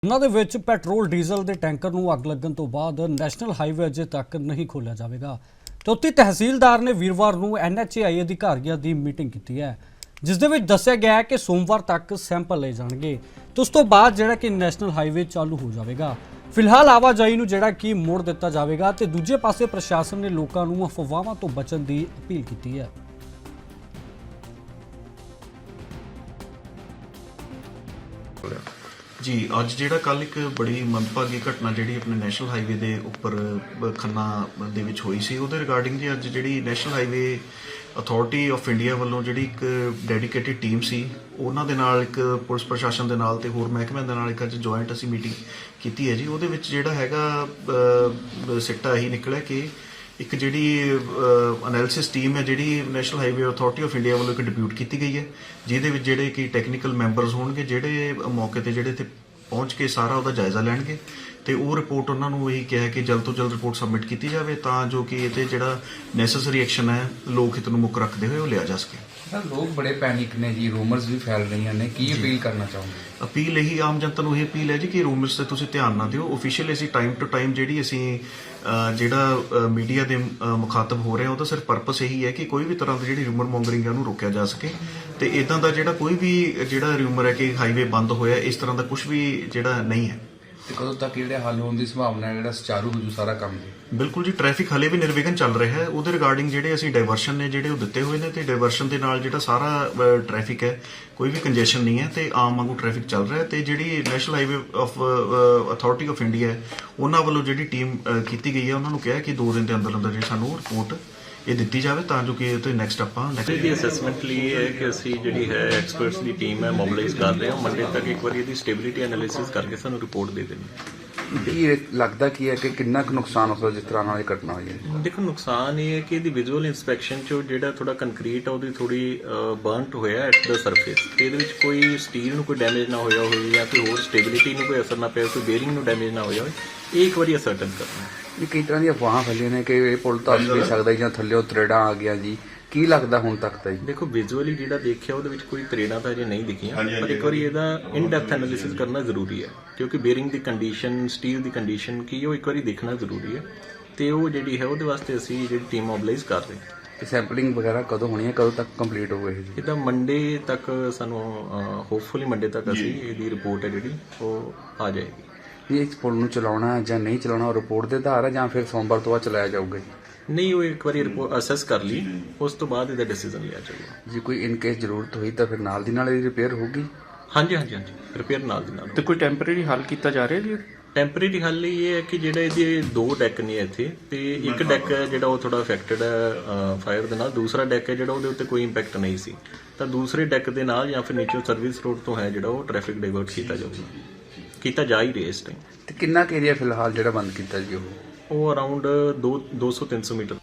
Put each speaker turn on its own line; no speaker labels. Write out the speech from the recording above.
ਉਹਨਾਂ ਦੇ ਵਿੱਚ ਪੈਟਰੋਲ ਡੀਜ਼ਲ ਦੇ ਟੈਂਕਰ ਨੂੰ ਅੱਗ ਲੱਗਣ ਤੋਂ ਬਾਅਦ ਨੈਸ਼ਨਲ ਹਾਈਵੇ ਅਜੇ ਤੱਕ ਨਹੀਂ ਖੋਲ੍ਹਿਆ ਜਾਵੇਗਾ। ਚੌਥੀ ਤਹਿਸੀਲਦਾਰ ਨੇ ਵੀਰਵਾਰ ਨੂੰ NHAI ਅਧਿਕਾਰੀਆਂ ਦੀ ਮੀਟਿੰਗ ਕੀਤੀ ਹੈ, ਜਿਸ ਦੇ ਵਿੱਚ ਦੱਸਿਆ ਗਿਆ ਹੈ ਕਿ ਸੋਮਵਾਰ ਤੱਕ ਸੈਂਪਲ ਲਏ ਜਾਣਗੇ ਤੇ ਉਸ ਤੋਂ ਬਾਅਦ ਜਿਹੜਾ ਕਿ ਨੈਸ਼ਨਲ ਹਾਈਵੇ ਚਾਲੂ ਹੋ ਜਾਵੇਗਾ। ਫਿਲਹਾਲ ਆਵਾਜਾਈ ਨੂੰ ਜਿਹੜਾ ਕਿ ਮੋੜ ਦਿੱਤਾ ਜਾਵੇਗਾ ਤੇ ਦੂਜੇ ਪਾਸੇ ਪ੍ਰਸ਼ਾਸਨ ਨੇ ਲੋਕਾਂ ਨੂੰ ਅਫਵਾਹਾਂ ਤੋਂ ਬਚਣ ਦੀ ਅਪੀਲ ਕੀਤੀ ਹੈ।
जी अज जिहड़ा कल एक बड़ी मंदभागी घटना जिहड़ी अपने नैशनल हाईवे दे उपर खन्ना दे विच होई सी उहदे रिगार्डिंग जी अज जिहड़ी national highway authority of India वालों जिहड़ी एक डेडिकेटेड टीम सी उहनां दे नाल एक पुलिस प्रशासन दे नाल ते होर महकमिਆਂ दे नाल एक अज जॉइंट असीं मीटिंग कीती है जी। उहदे विच जिहड़ा हैगा सिट्टा यही निकलिया कि एक जिहड़ी एनालिसिस टीम है जिहड़ी national highway authority of India वालों एक डिप्यूट की गई है, जिहदे विच जिहड़े कि टैक्नीकल मैंबरस होणगे जिहड़े मौके ते जिहड़े ते पहुँच के सारा उहदा जायजा लैणगे ਤੇ ਉਹ ਰਿਪੋर्ट ਉਹਨਾਂ ਨੂੰ ਇਹੀ ਕਿਹਾ ਕਿ ਜਲਦ ਤੋਂ ਜਲਦ ਰਿਪੋर्ट सबमिट ਕੀਤੀ ਜਾਵੇ ਤਾਂ ਜੋ ਕਿ ਇਹਤੇ ਜਿਹੜਾ ਨੈਸੈਸਰੀ ਐਕਸ਼ਨ ਹੈ ਲੋਕ ਹਿੱਤ ਨੂੰ ਮੁੱਖ ਰੱਖਦੇ ਹੋਏ ਉਹ ਲਿਆ ਜਾ ਸਕੇ।
ਸਰ ਲੋਕ ਬੜੇ ਪੈਨਿਕ ਨੇ ਜੀ, ਰੂਮਰਸ ਵੀ ਫੈਲ ਰਹੀਆਂ ਨੇ, ਕੀ ਅਪੀਲ ਕਰਨਾ ਚਾਹੋਗੇ?
ਅਪੀਲ ਇਹੀ ਆਮ ਜਨਤਾ ਨੂੰ ਇਹ ਅਪੀਲ ਹੈ ਜੀ ਕਿ ਰੂਮਰਸ ਤੇ ਤੁਸੀਂ ਧਿਆਨ ਨਾ ਦਿਓ। ਆਫੀਸ਼ੀਅਲ ਅਸੀਂ ਟਾਈਮ ਟੂ ਟਾਈਮ ਜਿਹੜੀ ਅਸੀਂ ਜਿਹੜਾ ਮੀਡੀਆ ਦੇ ਮੁਖਾਤਬ ਹੋ ਰਹੇ ਹਾਂ ਉਹਦਾ ਸਿਰਫ ਪਰਪਸ ਇਹੀ ਹੈ ਕਿ ਕੋਈ ਵੀ ਤਰ੍ਹਾਂ ਦੀ ਜਿਹੜੀ ਰੂਮਰ ਮੌਂਗਰਿੰਗ ਹੈ ਉਹਨੂੰ ਰੋਕਿਆ ਜਾ ਸਕੇ ਤੇ ਇਦਾਂ ਦਾ ਜਿਹੜਾ ਕੋਈ ਵੀ ਜਿਹੜਾ ਰੂਮਰ ਹੈ ਕਿ ਹਾਈਵੇ ਬੰਦ ਹੋਇਆ ਇਸ ਤਰ੍ਹਾਂ ਦਾ ਕੁਝ ਵੀ ਜਿਹੜਾ ਨਹੀਂ ਹੈ।
ਤੇ ਕਦੋਂ ਤੱਕ ਜਿਹੜੇ ਹੱਲ ਹੋਣ ਦੀ ਸੰਭਾਵਨਾ ਹੈ, ਜਿਹੜਾ ਸੁਚਾਰੂ ਹੋ ਜੂ ਸਾਰਾ ਕੰਮ ਜੀ?
ਬਿਲਕੁਲ ਜੀ, ਟ੍ਰੈਫਿਕ ਹਲੇ ਵੀ ਨਿਰਵਿਘਨ ਚੱਲ ਰਿਹਾ ਹੈ। ਉਹਦੇ ਰਿਗਾਰਡਿੰਗ ਜਿਹੜੇ ਅਸੀਂ ਡਾਇਵਰਸ਼ਨ ਨੇ ਜਿਹੜੇ ਉਹ ਦਿੱਤੇ ਹੋਏ ਨੇ ਤੇ ਡਾਇਵਰਸ਼ਨ ਦੇ ਨਾਲ ਜਿਹੜਾ ਸਾਰਾ ਟ੍ਰੈਫਿਕ ਹੈ ਕੋਈ ਵੀ ਕੰਜੈਸ਼ਨ ਨਹੀਂ ਹੈ ਤੇ ਆਮ ਵਾਂਗੂ ਟ੍ਰੈਫਿਕ ਚੱਲ ਰਿਹਾ ਤੇ ਜਿਹੜੀ national highway of authority of India ਉਹਨਾਂ ਵੱਲੋਂ ਜਿਹੜੀ ਟੀਮ ਕੀਤੀ ਗਈ ਹੈ ਉਹਨਾਂ ਨੂੰ ਕਿਹਾ ਕਿ 2 ਦਿਨ ਦੇ ਅੰਦਰ ਅੰਦਰ ਜਿਹੜੀ ਸਾਨੂੰ ਰਿਪੋਰਟ ਇਹ ਦਿੱਤੀ ਜਾਵੇ ਤਾਂ ਜੋ ਕਿ ਇਹ ਤੇ ਨੈਕਸਟ ਆਪਾਂ
ਦੀ ਅਸੈਸਮੈਂਟ ਲਈ ਇਹ ਹੈ ਕਿ ਅਸੀਂ ਜਿਹੜੀ ਹੈ ਐਕਸਪਰਟਸ ਦੀ ਟੀਮ ਹੈ ਮੋਬਿਲਾਈਜ਼ ਕਰ ਰਹੇ ਹਾਂ। ਮੰਡੇ ਤੱਕ ਇੱਕ ਵਾਰੀ ਇਹਦੀ ਸਟੇਬਿਲਿਟੀ ਐਨਾਲਿਸਿਸ ਕਰਕੇ ਸਾਨੂੰ ਰਿਪੋਰਟ ਦੇ ਦੇਣੀ।
ਇਹ ਲੱਗਦਾ ਕੀ ਹੈ ਕਿ ਕਿੰਨਾ ਕੁ ਨੁਕਸਾਨ ਹੋ ਸਕਦਾ ਜਿਸ ਤਰ੍ਹਾਂ ਨਾਲ ਇਹ ਘਟਨਾ ਹੋਈ ਹੈ?
ਦੇਖੋ ਨੁਕਸਾਨ ਇਹ ਹੈ ਕਿ ਇਹਦੀ ਵਿਜ਼ੂਅਲ ਇੰਸਪੈਕਸ਼ਨ 'ਚ ਜਿਹੜਾ ਥੋੜਾ ਕੰਕਰੀਟ ਆ ਉਹਦੀ ਥੋੜੀ ਬਰਨਟ ਹੋਇਆ ਐਟ ਦਾ ਸਰਫੇਸ ਤੇ ਇਹਦੇ ਵਿੱਚ ਕੋਈ ਸਟੀਲ ਨੂੰ ਕੋਈ ਡੈਮੇਜ ਨਾ ਹੋਇਆ ਹੋਵੇ ਜਾਂ ਕੋਈ ਹੋਰ ਸਟੇਬਿਲਿਟੀ ਨੂੰ ਕੋਈ ਅਸਰ ਨਾ ਪਿਆ, ਕੋਈ ਬੇਰਿੰਗ ਨੂੰ ਡੈਮੇਜ ਨਾ ਹੋਇਆ ਹੋਵੇ, ਇਹ ਇੱਕ ਵਾਰੀ ਅਸਰਟਨ ਕਰਨਾ।
ਇਹ ਕਈ ਤਰ੍ਹਾਂ ਦੀਆਂ ਅਫਵਾਹਾਂ ਫੈਲੀਆਂ ਨੇ ਕਿ ਇਹ ਪੁਲ ਧੱਸ ਵੀ ਸਕਦਾ ਜਾਂ ਥੱਲਿਓਂ ਤਰੇੜਾਂ ਆ ਗਿਆ ਜੀ, ਕੀ ਲੱਗਦਾ ਹੁਣ ਤੱਕ ਤਾਂ ਜੀ?
ਦੇਖੋ ਵਿਜ਼ੂਅਲੀ ਜਿਹੜਾ ਦੇਖਿਆ ਉਹਦੇ ਵਿੱਚ ਕੋਈ ਤਰੇੜਾਂ ਤਾਂ ਅਜੇ ਨਹੀਂ ਦਿਖੀਆਂ, ਪਰ ਇੱਕ ਵਾਰੀ ਇਹਦਾ ਇਨ ਡੈਪਥ ਐਨਾਲਿਸਿਸ ਕਰਨਾ ਜ਼ਰੂਰੀ ਹੈ ਕਿਉਂਕਿ ਬੇਰਿੰਗ ਦੀ ਕੰਡੀਸ਼ਨ, ਸਟੀਲ ਦੀ ਕੰਡੀਸ਼ਨ ਕੀ ਉਹ ਇੱਕ ਵਾਰੀ ਦੇਖਣਾ ਜ਼ਰੂਰੀ ਹੈ ਤੇ ਉਹ ਜਿਹੜੀ ਹੈ ਉਹਦੇ ਵਾਸਤੇ ਅਸੀਂ ਜਿਹੜੀ ਟੀਮ ਮੋਬਿਲਾਈਜ਼ ਕਰ ਰਹੇ ਹਾਂ।
ਤੇ ਸੈਂਪਲਿੰਗ ਵਗੈਰਾ ਕਦੋਂ ਹੋਣੀ ਹੈ, ਕਦੋਂ ਤੱਕ ਕੰਪਲੀਟ ਹੋਵੇ ਇਹ?
ਇਹਦਾ ਮੰਡੇ ਤੱਕ ਸਾਨੂੰ ਹੋਪਫੁਲੀ ਮੰਡੇ ਤੱਕ ਅਸੀਂ ਇਹਦੀ ਰਿਪੋਰਟ ਹੈ ਜਿਹੜੀ ਉਹ ਆ ਜਾਏਗੀ।
ਇਹ ਇਸ ਪੁਲ ਨੂੰ ਚਲਾਉਣਾ ਜਾਂ ਨਹੀਂ ਚਲਾਉਣਾ ਉਹ ਰਿਪੋਰਟ ਦੇ ਆਧਾਰ ਹੈ ਜਾਂ ਫਿਰ ਸੋਮਵਾਰ ਤੋਂ ਬਾਅਦ ਚਲਾਇਆ ਜਾਊਗਾ ਜੀ?
ਨਹੀਂ, ਉਹ ਇੱਕ ਵਾਰੀ ਰਿਪੋਰਟ ਅਸੈਸ ਕਰ ਲਈ ਉਸ ਤੋਂ ਬਾਅਦ ਇਹਦਾ ਡਿਸੀਜਨ ਲਿਆ ਜਾਊਗਾ।
ਜੇ ਕੋਈ ਇਨ ਕੇਸ ਜ਼ਰੂਰਤ ਹੋਈ ਤਾਂ ਫਿਰ ਨਾਲ ਦੀ ਨਾਲ ਇਹਦੀ ਰਿਪੇਅਰ ਹੋਊਗੀ?
ਹਾਂਜੀ, ਰਿਪੇਅਰ ਨਾਲ ਦੀ ਨਾਲ।
ਤੇ ਕੋਈ ਟੈਂਪਰੇਰੀ ਹੱਲ ਕੀਤਾ ਜਾ ਰਿਹਾ ਜੀ?
ਟੈਂਪਰੇਰੀ ਹੱਲ ਇਹ ਹੈ ਕਿ ਜਿਹੜਾ ਇਹਦੇ 2 ਡੈਕ ਨੇ ਇੱਥੇ ਤੇ ਇੱਕ ਡੈਕ ਹੈ ਜਿਹੜਾ ਉਹ ਥੋੜਾ ਅਫੈਕਟਡ ਹੈ ਫਾਇਰ ਦੇ ਨਾਲ, ਦੂਸਰਾ ਡੈਕ ਹੈ ਜਿਹੜਾ ਉਹਦੇ ਉੱਤੇ ਕੋਈ ਇੰਪੈਕਟ ਨਹੀਂ ਸੀ ਤਾਂ ਦੂਸਰੇ ਡੈਕ ਦੇ ਨਾਲ ਜਾਂ ਫਿਰ ਨੀਚੇ ਸਰਵਿਸ ਰੋਡ ਤੋਂ ਹੈ ਜਿਹੜਾ ਉਹ ਟ੍ਰੈਫਿਕ ਡਾਇਵਰਟ ਕੀਤਾ ਜਾ ਹੀ ਰਿਹਾ ਇਸ ਟਾਈਮ।
ਤੇ ਕਿੰਨਾ ਕੁ ਏਰੀਆ ਫਿਲਹਾਲ ਜਿਹੜਾ ਬੰਦ ਕੀਤਾ ਜੀ ਉਹ?
ਉਹ ਅਰਾਊਂਡ 200-300 ਮੀਟਰ